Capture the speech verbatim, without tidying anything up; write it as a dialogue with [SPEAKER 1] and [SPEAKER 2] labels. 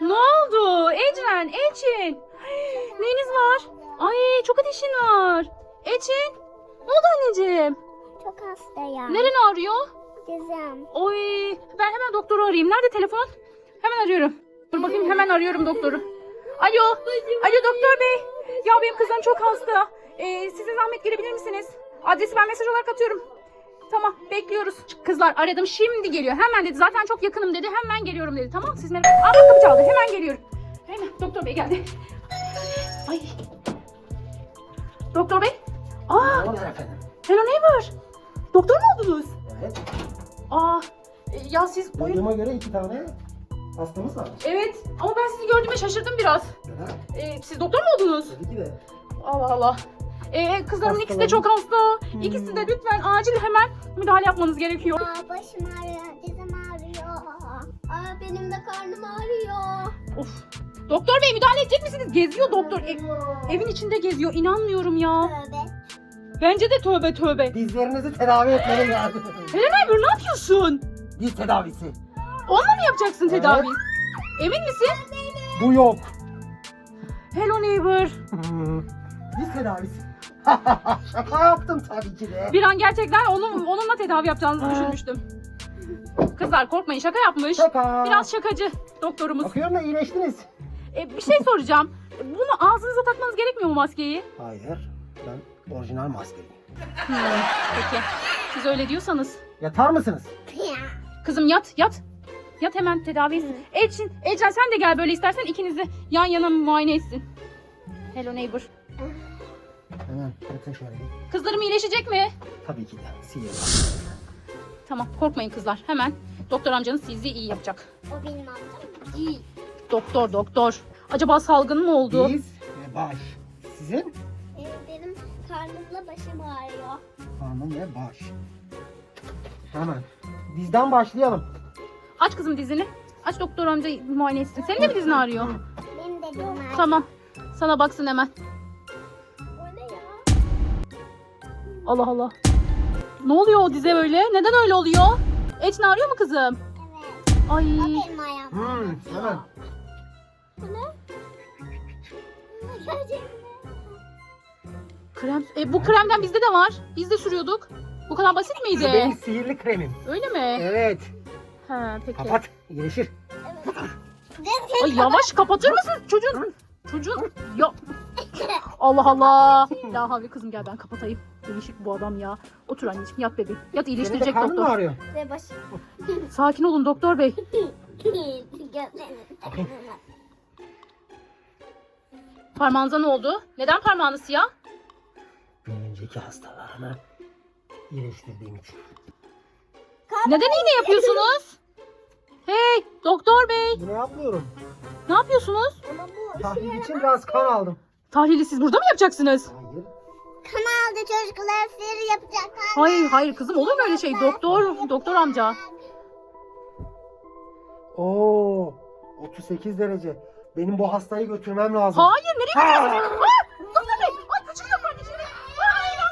[SPEAKER 1] Ne oldu? Ecren, Elçin. Neyiniz var? Ay çok ateşin var. Elçin. Ne oldu anneciğim?
[SPEAKER 2] Çok hastayım.
[SPEAKER 1] Neren ağrıyor?
[SPEAKER 2] Dizim.
[SPEAKER 1] Oy ben hemen doktoru arayayım. Nerede telefon? Hemen arıyorum. Dur bakayım hemen arıyorum doktoru. Alo. Alo doktor bey. Ya benim kızım çok hasta. Ee, size zahmet gelebilir misiniz? Adresi ben mesaj olarak atıyorum. Tamam bekliyoruz. Kızlar aradım şimdi geliyor. Hemen dedi. Zaten çok yakınım dedi. Hemen geliyorum dedi. Tamam siz merak etmeyin. Aa bak kapı çaldı. Hemen geliyorum. Hemen doktor bey geldi. Ay. Doktor bey. Aa.
[SPEAKER 3] Ne olur efendim?
[SPEAKER 1] Hello neighbor. Doktor mu oldunuz?
[SPEAKER 3] Evet.
[SPEAKER 1] Aa. e, Ya siz oyun...
[SPEAKER 3] Duyduğuma göre iki tane hastamız var.
[SPEAKER 1] Evet ama ben sizi gördüğüme şaşırdım biraz.
[SPEAKER 3] Neden?
[SPEAKER 1] Ee, siz doktor mu oldunuz?
[SPEAKER 3] Tabii ki de.
[SPEAKER 1] Allah Allah. Ee, kızlarımın ikisi de
[SPEAKER 3] Hastalarım.
[SPEAKER 1] çok hasta. İkisi de lütfen acil hemen müdahale yapmanız gerekiyor.
[SPEAKER 2] Aa, başım ağrıyor, dizim ağrıyor. Aa, benim de karnım ağrıyor.
[SPEAKER 1] Of. Doktor bey müdahale edecek misiniz? Geziyor doktor. E- evin içinde geziyor. İnanmıyorum ya.
[SPEAKER 2] Tövbe.
[SPEAKER 1] Bence de tövbe tövbe.
[SPEAKER 3] Dizlerinizi tedavi etmeniz lazım.
[SPEAKER 1] Helen Aybur ne yapıyorsun?
[SPEAKER 3] Diz tedavisi.
[SPEAKER 1] Onunla mı yapacaksın
[SPEAKER 3] Evet.
[SPEAKER 1] tedavi? Emin misin?
[SPEAKER 3] Bu yok.
[SPEAKER 1] Hello neighbor.
[SPEAKER 3] Diz tedavisi. Şaka yaptım tabii ki de.
[SPEAKER 1] Bir an gerçekten onun, onunla tedavi yapacağınızı düşünmüştüm. Kızlar korkmayın şaka yapmış.
[SPEAKER 3] Şaka.
[SPEAKER 1] Biraz şakacı doktorumuz.
[SPEAKER 3] Bakıyorum da iyileştiniz.
[SPEAKER 1] E, bir şey soracağım. Bunu ağzınıza takmanız gerekmiyor mu maskeyi?
[SPEAKER 3] Hayır. Ben orijinal maskeliyim.
[SPEAKER 1] Hmm, peki. Siz öyle diyorsanız.
[SPEAKER 3] Yatar mısınız?
[SPEAKER 1] Kızım yat yat. Yat hemen tedavi. Elçin, Ecren sen de gel böyle istersen ikinizi yan yana muayene etsin. Hello neighbor.
[SPEAKER 3] Hemen yatın şöyle bir.
[SPEAKER 1] Kızlarım iyileşecek mi?
[SPEAKER 3] Tabii ki de. Sihir.
[SPEAKER 1] Tamam korkmayın kızlar. Hemen doktor amcanız sizi iyi yapacak.
[SPEAKER 2] O benim amcam değil.
[SPEAKER 1] Doktor doktor. Acaba salgın mı oldu?
[SPEAKER 3] Diz ve baş. Sizin?
[SPEAKER 2] Ee, benim karnımla başım ağrıyor.
[SPEAKER 3] Karnım ve baş. Hemen. Dizden başlayalım.
[SPEAKER 1] Aç kızım dizini. Aç doktor amca muayene etsin. Senin de mi dizin ağrıyor?
[SPEAKER 2] Benim de dizim ağrıyor.
[SPEAKER 1] Tamam. Sana baksın hemen.
[SPEAKER 2] O ne ya?
[SPEAKER 1] Allah Allah. Ne oluyor o dize böyle? Neden öyle oluyor? Ecin ağrıyor mu kızım?
[SPEAKER 2] Evet.
[SPEAKER 1] Ay.
[SPEAKER 2] O benim ayağım.
[SPEAKER 3] Hmm, hemen.
[SPEAKER 2] Bu ne? Gerçekten.
[SPEAKER 1] Krem. E, bu kremden bizde de var. Biz de sürüyorduk. Bu kadar basit
[SPEAKER 3] Bu
[SPEAKER 1] miydi?
[SPEAKER 3] benim sihirli kremim.
[SPEAKER 1] Öyle mi?
[SPEAKER 3] Evet.
[SPEAKER 1] Ha peki.
[SPEAKER 3] Kapat. İyileşir.
[SPEAKER 1] Ay yavaş kapatır mısın çocuğun? Çocuğun ya. Allah Allah. La havle kızım gel ben kapatayım. Değişik bu adam ya. Otur anneciğim yat bebeğim. Yat
[SPEAKER 3] Senin de
[SPEAKER 1] iyileştirecek
[SPEAKER 3] karnın mı
[SPEAKER 1] doktor.
[SPEAKER 3] ağrıyor?
[SPEAKER 2] Ve başım.
[SPEAKER 1] Sakin olun doktor bey.
[SPEAKER 2] Gözlerim.
[SPEAKER 1] Parmağınıza ne oldu? Neden parmağınız siyah?
[SPEAKER 3] Bir önceki hastalarını iyileştirdiğim için.
[SPEAKER 1] Neden iğne yapıyorsunuz? Hey doktor bey.
[SPEAKER 3] Bunu yapmıyorum.
[SPEAKER 1] Ne yapıyorsunuz?
[SPEAKER 2] Ama bu
[SPEAKER 3] Tahlil için biraz kan aldım.
[SPEAKER 1] Tahlili siz burada mı yapacaksınız?
[SPEAKER 3] Hayır.
[SPEAKER 2] kanalda çocuklar sihir yapacak.
[SPEAKER 1] Hayır hayır kızım olur mu öyle şey? Doktor, doktor amca.
[SPEAKER 3] Oo, otuz sekiz derece. Benim bu hastayı götürmem lazım.
[SPEAKER 1] Hayır nereye gidiyorsun?